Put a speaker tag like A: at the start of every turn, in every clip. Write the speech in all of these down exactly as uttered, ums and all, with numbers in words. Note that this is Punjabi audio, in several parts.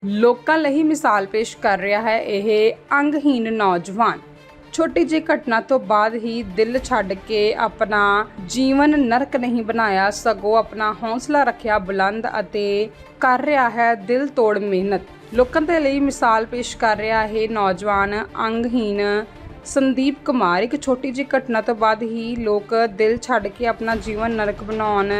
A: ਲੋਕਾਂ ਲਈ ਮਿਸਾਲ ਪੇਸ਼ ਕਰ ਰਿਹਾ ਹੈ ਇਹ ਅੰਗਹੀਨ ਨੌਜਵਾਨ। ਛੋਟੀ ਜਿਹੀ ਘਟਨਾ ਤੋਂ ਬਾਅਦ ਹੀ ਦਿਲ ਛੱਡ ਕੇ ਆਪਣਾ ਜੀਵਨ ਨਰਕ ਨਹੀਂ ਬਣਾਇਆ, ਸਗੋਂ ਆਪਣਾ ਹੌਸਲਾ ਰੱਖਿਆ ਬੁਲੰਦ ਅਤੇ ਕਰ ਰਿਹਾ ਹੈ ਦਿਲ ਤੋੜ ਮਿਹਨਤ। ਲੋਕਾਂ ਦੇ ਲਈ ਮਿਸਾਲ ਪੇਸ਼ ਕਰ ਰਿਹਾ ਇਹ ਨੌਜਵਾਨ ਅੰਗਹੀਨ ਸੰਦੀਪ ਕੁਮਾਰ। ਇੱਕ ਛੋਟੀ ਜਿਹੀ ਘਟਨਾ ਤੋਂ ਬਾਅਦ ਹੀ ਲੋਕ ਦਿਲ ਛੱਡ ਕੇ ਆਪਣਾ ਜੀਵਨ ਨਰਕ ਬਣਾਉਣ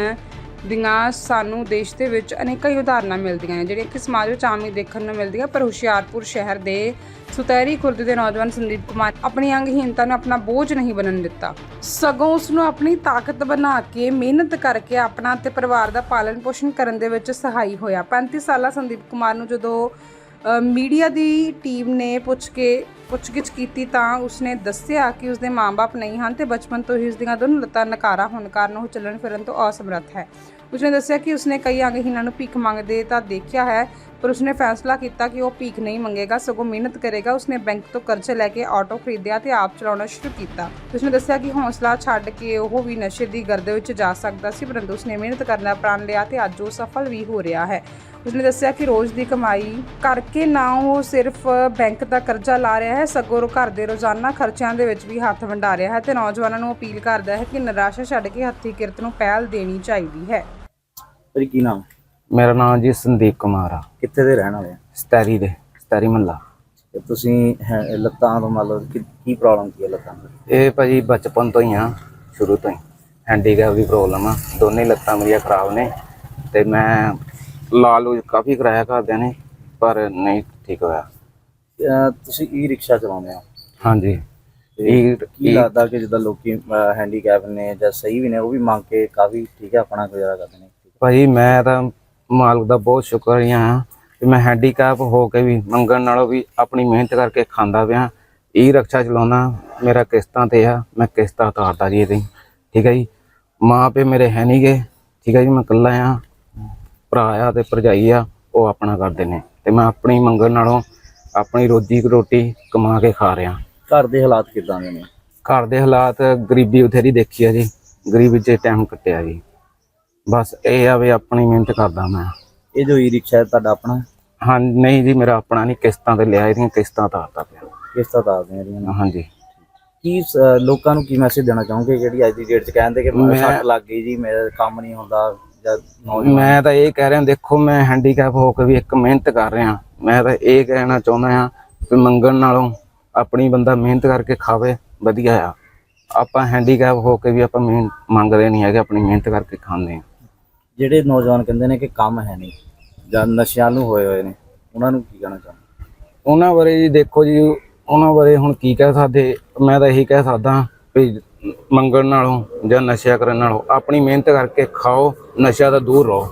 A: ਦੀਆਂ ਸਾਨੂੰ ਦੇਸ਼ ਦੇ ਵਿੱਚ ਅਨੇਕਾਂ ਹੀ ਉਦਾਹਰਨਾਂ ਮਿਲਦੀਆਂ ਨੇ, ਜਿਹੜੀਆਂ ਕਿ ਸਮਾਜ ਵਿੱਚ ਆਮ ਹੀ ਦੇਖਣ ਨੂੰ ਮਿਲਦੀਆਂ। ਪਰ ਹੁਸ਼ਿਆਰਪੁਰ ਸ਼ਹਿਰ ਦੇ ਸੁਤੈਰੀ ਖੁਰਦ ਦੇ ਨੌਜਵਾਨ ਸੰਦੀਪ ਕੁਮਾਰ ਆਪਣੀ ਅੰਗਹੀਨਤਾ ਨੂੰ ਆਪਣਾ ਬੋਝ ਨਹੀਂ ਬਣਨ ਦਿੱਤਾ, ਸਗੋਂ ਉਸ ਨੂੰ ਆਪਣੀ ਤਾਕਤ ਬਣਾ ਕੇ ਮਿਹਨਤ ਕਰਕੇ ਆਪਣਾ ਤੇ ਪਰਿਵਾਰ ਦਾ ਪਾਲਣ ਪੋਸ਼ਣ ਕਰਨ ਦੇ ਵਿੱਚ ਸਹਾਈ ਹੋਇਆ। ਪੈਂਤੀ ਸਾਲਾ ਸੰਦੀਪ ਕੁਮਾਰ ਨੂੰ ਜਦੋਂ ਮੀਡੀਆ ਦੀ ਟੀਮ ਨੇ ਪੁੱਛ ਕੇ ਪੁੱਛਗਿੱਛ ਕੀਤੀ ਤਾਂ ਉਸਨੇ ਦੱਸਿਆ ਕਿ ਉਸਦੇ ਮਾਂ-ਬਾਪ ਨਹੀਂ ਹਨ ਤੇ ਬਚਪਨ ਤੋਂ ਹੀ ਉਸਦੀਆਂ ਦੋਨੋਂ ਲੱਤਾਂ ਨਕਾਰਾ ਹੋਣ ਕਾਰਨ ਉਹ ਚੱਲਣ ਫਿਰਨ ਤੋਂ ਅਸਮਰੱਥ ਹੈ। ਉਸਨੇ ਦੱਸਿਆ ਕਿ ਉਸਨੇ ਕਈ ਅੰਗਹੀਣਾਂ ਨੂੰ ਭੀਖ ਮੰਗਦੇ ਤਾਂ ਦੇਖਿਆ ਹੈ, ਪਰ ਉਸਨੇ ਫੈਸਲਾ ਕੀਤਾ ਕਿ ਉਹ ਭੀਖ ਨਹੀਂ ਮੰਗੇਗਾ, ਸਗੋਂ ਮਿਹਨਤ ਕਰੇਗਾ। ਉਸਨੇ ਬੈਂਕ ਤੋਂ ਕਰਜ਼ਾ ਲੈ ਕੇ ਆਟੋ ਖਰੀਦਿਆ ਤੇ ਆਪ ਚਲਾਉਣਾ ਸ਼ੁਰੂ ਕੀਤਾ। ਉਸਨੇ ਦੱਸਿਆ ਕਿ ਹੌਸਲਾ ਛੱਡ ਕੇ ਉਹ ਵੀ ਨਸ਼ੇ ਦੀ ਗਰਦ ਵਿੱਚ ਜਾ ਸਕਦਾ ਸੀ, ਪਰੰਤੂ ਉਸਨੇ ਮਿਹਨਤ ਕਰਨਾ ਪ੍ਰਣ ਲਿਆ ਤੇ ਅੱਜ ਉਹ ਸਫਲ ਵੀ ਹੋ ਰਿਹਾ ਹੈ। ਉਸਨੇ ਦੱਸਿਆ ਕਿ ਰੋਜ਼ ਦੀ ਕਮਾਈ ਕਰਕੇ ਨਾ ਉਹ ਸਿਰਫ ਬੈਂਕ ਦਾ ਕਰਜ਼ਾ ਲਾ ਰਿਹਾ ਹੈ, ਸਗੋਂ ਘਰ ਦੇ ਰੋਜ਼ਾਨਾ ਖਰਚਿਆਂ ਦੇ ਵਿੱਚ ਵੀ ਹੱਥ ਵੰਡਾ ਰਿਹਾ ਹੈ ਤੇ ਨੌਜਵਾਨਾਂ ਨੂੰ ਅਪੀਲ ਕਰਦਾ ਹੈ ਕਿ ਨਿਰਾਸ਼ਾ ਛੱਡ ਕੇ ਹੱਥੀਂ ਕਿਰਤ ਨੂੰ ਪਹਿਲ ਦੇਣੀ ਚਾਹੀਦੀ ਹੈ।
B: ਪਰ ਕੀ ਨਾਮ?
C: ਮੇਰਾ ਨਾਮ ਜੀ ਸੰਦੀਪ ਕੁਮਾਰ ਆ।
B: ਕਿੱਥੇ ਦੇ ਰਹਿਣ ਵਾਲੇ ਆ?
C: ਸਤੈਰੀ ਦੇ, ਸਤੈਰੀ ਮਹੱਲਾ।
B: ਤੇ ਤੁਸੀਂ ਹੈ- ਲੱਤਾਂ ਤੋਂ ਮੰਨ ਲਓ ਕਿ ਕੀ ਪ੍ਰੋਬਲਮ ਕੀ ਹੈ ਲੱਤਾਂ ਦੀ?
C: ਇਹ ਭਾਜੀ ਬਚਪਨ ਤੋਂ ਹੀ ਆ, ਸ਼ੁਰੂ ਤੋਂ ਹੀ ਹੈਂਡੀਕੈਪ ਦੀ ਪ੍ਰੋਬਲਮ ਆ। ਦੋਨੇ ਲੱਤਾਂ ਮੇਰੀਆਂ ਖਰਾਬ ਨੇ ਤੇ ਮੈਂ ਲਾਲੂ ਕਾਫੀ ਕਰਾਇਆ ਘਰਦਿਆਂ ਨੇ, ਪਰ ਨਹੀਂ ਠੀਕ ਹੋਇਆ।
B: ਅਹ ਤੁਸੀਂ ਈ ਰਿਕਸ਼ਾ ਚਲਾਉਂਦੇ ਹੋ?
C: ਹਾਂਜੀ।
B: ਤੇ
C: ਇਹ
B: ਕੀ ਲੱਗਦਾ ਕਿ ਜਿੱਦਾਂ ਲੋਕੀ ਹੈਂਡੀਕੈਪ ਨੇ ਜਾਂ ਸਹੀ ਵੀ ਨੇ ਉਹ ਵੀ ਮੰਗ ਕੇ ਕਾਫੀ ਠੀਕ ਹੈ ਆਪਣਾ ਗੁਜ਼ਾਰਾ ਕਰਦੇ ਨੇ?
C: ਭਾਜੀ ਮੈਂ ਤਾਂ ਮਾਲਕ ਦਾ ਬਹੁਤ ਸ਼ੁਕਰੀਆ ਹਾਂ ਕਿ ਮੈਂ ਹੈਂਡੀਕੈਪ ਹੋ ਕੇ ਵੀ ਮੰਗਣ ਨਾਲੋਂ ਵੀ ਆਪਣੀ ਮਿਹਨਤ ਕਰਕੇ ਖਾਂਦਾ ਪਿਆ। ਈ ਰਿਕਸ਼ਾ ਚਲਾਉਣਾ ਮੇਰਾ ਕਿਸ਼ਤਾਂ ਤੇ ਆ, ਮੈਂ ਕਿਸ਼ਤਾਂ ਉਤਾਰਦਾ ਜੀ ਇਹਦੀ। ਠੀਕ ਹੈ ਜੀ। ਮਾਂ ਪਿਓ ਮੇਰੇ ਹੈ ਨਹੀਂ ਗੇ, ਠੀਕ ਹੈ ਜੀ। ਮੈਂ ਇਕੱਲਾ ਆ, ਭਰਾ ਆ ਤੇ ਭਰਜਾਈ ਆ, ਉਹ ਆਪਣਾ ਕਰਦੇ ਨੇ ਤੇ ਮੈਂ ਆਪਣੀ ਮੰਗਣ ਨਾਲੋਂ ਆਪਣੀ ਰੋਜੀ ਰੋਟੀ ਕਮਾ ਕੇ ਖਾ ਰਿਹਾ।
B: ਘਰ ਦੇ ਹਾਲਾਤ ਕਿੱਦਾਂ ਦੇ ਨੇ?
C: ਘਰ ਦੇ ਹਾਲਾਤ ਗਰੀਬੀ ਬਥੇਰੀ ਦੇਖੀ ਆ ਜੀ, ਗਰੀਬੀ 'ਚ ਟਾਈਮ ਕੱਟਿਆ ਜੀ। ਬਸ ਇਹ ਆ ਵੀ ਆਪਣੀ ਮਿਹਨਤ ਕਰਦਾ ਮੈਂ।
B: ਇਹ ਜੋ ਈ ਰਿਕਸ਼ਾ ਤੁਹਾਡਾ ਆਪਣਾ?
C: ਹਾਂ ਨਹੀਂ ਜੀ, ਮੇਰਾ ਆਪਣਾ ਨਹੀਂ, ਕਿਸ਼ਤਾਂ ਤੇ ਲਿਆ, ਇਹਦੀਆਂ ਕਿਸ਼ਤਾਂ ਤਾਰਦਾ ਪਿਆ।
B: ਕਿਸ਼ਤਾਂ ਤਾਰਦੇ ਆ ਇਹਦੀਆਂ?
C: ਹਾਂਜੀ।
B: ਕੀ ਸ- ਲੋਕਾਂ ਨੂੰ ਕੀ ਮੈਸੇਜ ਦੇਣਾ ਚਾਹੋਗੇ ਜਿਹੜੀ ਅੱਜ ਦੀ ਡੇਟ 'ਚ ਕਹਿੰਦੇ ਕਿ
C: ਮੈਂ-
B: ਸੱਟ ਲੱਗ ਗਈ ਜੀ, ਮੇਰਾ ਕੰਮ ਨਹੀਂ ਹੁੰਦਾ ਜਾਂ ਨੌਜਵਾਨ?
C: ਮੈਂ ਤਾਂ ਇਹ ਕਹਿ ਰਿਹਾ, ਦੇਖੋ ਮੈਂ ਹੈਂਡੀਕੈਪ ਹੋ ਕੇ ਵੀ ਇੱਕ ਮਿਹਨਤ ਕਰ ਰਿਹਾ। ਮੈਂ ਤਾਂ ਇਹ ਕਹਿਣਾ ਚਾਹੁੰਦਾ ਹਾਂ ਕਿ ਮੰਗਣ ਨਾਲੋਂ ਆਪਣੀ ਬੰਦਾ ਮਿਹਨਤ ਕਰਕੇ ਖਾਵੇ, ਵਧੀਆ ਆ। ਆਪਾਂ ਹੈਂਡੀਕੈਪ ਹੋ ਕੇ ਵੀ ਆਪਾਂ ਮਿਹਨਤ ਮੰਗਦੇ ਨਹੀਂ ਹੈਗੇ, ਆਪਣੀ ਮਿਹਨਤ ਕਰਕੇ ਖਾਂਦੇ ਹਾਂ।
B: ਜਿਹੜੇ ਨੌਜਵਾਨ ਕਹਿੰਦੇ ਨੇ ਕਿ ਕੰਮ ਹੈ ਨਹੀਂ ਜਾਂ ਨਸ਼ਿਆਂ ਨੂੰ ਹੋਏ ਹੋਏ ਨੇ, ਉਹਨਾਂ ਨੂੰ ਕੀ ਕਹਿਣਾ ਚਾਹੁੰਦੇ?
C: ਉਹਨਾਂ ਬਾਰੇ ਜੀ ਦੇਖੋ ਜੀ, ਉਹਨਾਂ ਬਾਰੇ ਹੁਣ ਕੀ ਕਹਿ ਸਕਦੇ। ਮੈਂ ਤਾਂ ਇਹੀ ਕਹਿ ਸਕਦਾ ਵੀ ਮੰਗਣ ਨਾਲੋਂ ਜਾਂ ਨਸ਼ਿਆਂ ਕਰਨ ਨਾਲੋਂ ਆਪਣੀ ਮਿਹਨਤ ਕਰਕੇ ਖਾਓ, ਨਸ਼ਿਆਂ ਤੋਂ ਦੂਰ ਰਹੋ।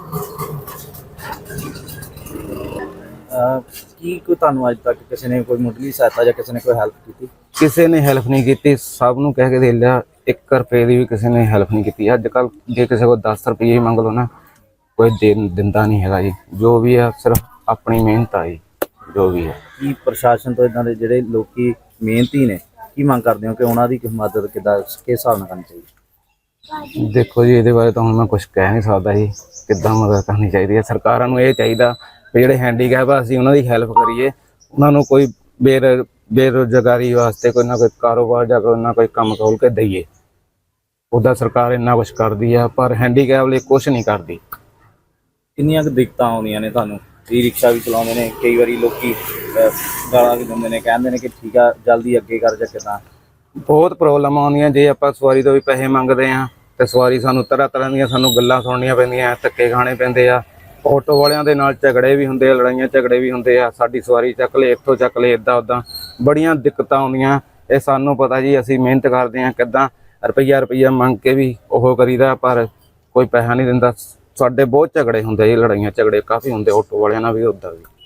B: ਅਹ ਕੀ ਕੋਈ ਤੁਹਾਨੂੰ ਅੱਜ ਤੱਕ ਕਿਸੇ ਨੇ ਕੋਈ ਮੁੱਢਲੀ ਸਹਾਇਤਾ ਜਾਂ ਕਿਸੇ ਨੇ ਕੋਈ ਹੈਲਪ ਕੀਤੀ?
C: ਕਿਸੇ ਨੇ ਹੈਲਪ ਨਹੀਂ ਕੀਤੀ, ਸਭ ਨੂੰ ਕਹਿ ਕੇ ਦੇ ਲਿਆ, ਇੱਕ ਰੁਪਏ ਦੀ ਵੀ ਕਿਸੇ ਨੇ ਹੈਲਪ ਨਹੀਂ ਕੀਤੀ। ਅੱਜ ਕੱਲ ਜੇ ਕਿਸੇ ਕੋਲ ਦਸ ਰੁਪਏ ਵੀ ਮੰਗ ਲਓ ਨਾ, ਕੋਈ ਦੇ ਦਿੰਦਾ ਨਹੀਂ ਹੈਗਾ ਜੀ। ਜੋ ਵੀ ਆ ਸਿਰਫ ਆਪਣੀ ਮਿਹਨਤ ਆ ਜੀ, ਜੋ ਵੀ ਹੈ।
B: ਕੀ ਪ੍ਰਸ਼ਾਸਨ ਤੋਂ ਇਦਾਂ ਦੇ ਜਿਹੜੇ ਲੋਕੀ ਮਿਹਨਤੀ ਨੇ ਕੀ ਮੰਗ ਕਰਦੇ ਹੋ ਕਿ ਉਹਨਾਂ ਦੀ ਮਦਦ ਕਿੱਦਾਂ ਕਿਸ ਹਿਸਾਬ ਨਾਲ ਕਰਨੀ ਚਾਹੀਦੀ?
C: ਦੇਖੋ ਜੀ, ਇਹਦੇ ਬਾਰੇ ਤਾਂ ਹੁਣ ਮੈਂ ਕੁਝ ਕਹਿ ਨਹੀਂ ਸਕਦਾ ਜੀ, ਕਿੱਦਾਂ ਮਦਦ ਕਰਨੀ ਚਾਹੀਦੀ ਹੈ। ਸਰਕਾਰਾਂ ਨੂੰ ਇਹ ਚਾਹੀਦਾ ਵੀ ਜਿਹੜੇ ਹੈਂਡੀਕੈਪ ਆ ਅਸੀਂ ਉਹਨਾਂ ਦੀ ਹੈਲਪ ਕਰੀਏ, ਉਹਨਾਂ ਨੂੰ ਕੋਈ ਬੇਰ ਬੇਰੁਜ਼ਗਾਰੀ ਵਾਸਤੇ ਕੋਈ ਨਾ ਕੋਈ ਕਾਰੋਬਾਰ ਜਾਂ ਕੋਈ ਨਾ ਕੋਈ ਕੰਮ ਖੋਲ ਕੇ ਦਈਏ। ਉੱਦਾਂ ਸਰਕਾਰ ਇੰਨਾ ਕੁਛ ਕਰਦੀ ਆ, ਪਰ ਹੈਂਡੀਕੈਪ ਲਈ ਕੁਛ ਨਹੀਂ ਕਰਦੀ।
B: ਕਿੰਨੀਆਂ ਕੁ ਦਿੱਕਤਾਂ ਆਉਂਦੀਆਂ ਨੇ ਤੁਹਾਨੂੰ? ਈ ਰਿਕਸ਼ਾ ਵੀ ਚਲਾਉਂਦੇ ਨੇ, ਕਈ ਵਾਰੀ ਲੋਕੀ ਅਹ, ਗਾਲਾਂ ਵੀ ਦਿੰਦੇ ਨੇ, ਕਹਿੰਦੇ ਨੇ ਕਿ ਠੀਕ ਆ ਜਲਦੀ ਅੱਗੇ ਕਰ ਜਾਂ ਕਿੱਦਾਂ?
C: ਬਹੁਤ ਪ੍ਰੋਬਲਮ ਆਉਂਦੀਆਂ। ਜੇ ਆਪਾਂ ਸਵਾਰੀ ਤੋਂ ਵੀ ਪੈਸੇ ਮੰਗਦੇ ਆ ਤੇ ਸਵਾਰੀ ਸਾਨੂੰ ਤਰ੍ਹਾਂ ਤਰ੍ਹਾਂ ਦੀਆਂ ਸਾਨੂੰ ਗੱਲਾਂ ਸੁਣਨੀਆਂ ਪੈਂਦੀਆਂ, ਧੱਕੇ ਖਾਣੇ ਪੈਂਦੇ ਆ। ਆਟੋ ਵਾਲਿਆਂ ਦੇ ਨਾਲ ਝਗੜੇ ਵੀ ਹੁੰਦੇ ਆ, ਲੜਾਈਆਂ ਝਗੜੇ ਵੀ ਹੁੰਦੇ ਆ। ਸਾਡੀ ਸਵਾਰੀ ਚੱਕ ਲਏ, ਇੱਥੋਂ ਚੱਕ ਲਏ, ਇੱਦਾਂ ਉੱਦਾਂ ਬੜੀਆਂ ਦਿੱਕਤਾਂ ਆਉਂਦੀਆਂ। ਇਹ ਸਾਨੂੰ ਪਤਾ ਜੀ, ਅਸੀਂ ਮਿਹਨਤ ਕਰਦੇ ਹਾਂ, ਕਿੱਦਾਂ ਰੁਪਈਆ ਰੁਪਈਆ ਮੰਗ ਕੇ ਵੀ ਉਹ ਕਰੀਦਾ, ਪਰ ਕੋਈ ਪੈਸਾ ਨਹੀਂ ਦਿੰਦਾ। ਸਾਡੇ ਬਹੁਤ ਝਗੜੇ ਹੁੰਦੇ ਜੀ, ਲੜਾਈਆਂ ਝਗੜੇ ਕਾਫੀ ਹੁੰਦੇ ਆਟੋ ਵਾਲਿਆਂ ਨਾਲ ਵੀ, ਉੱਦਾਂ ਵੀ।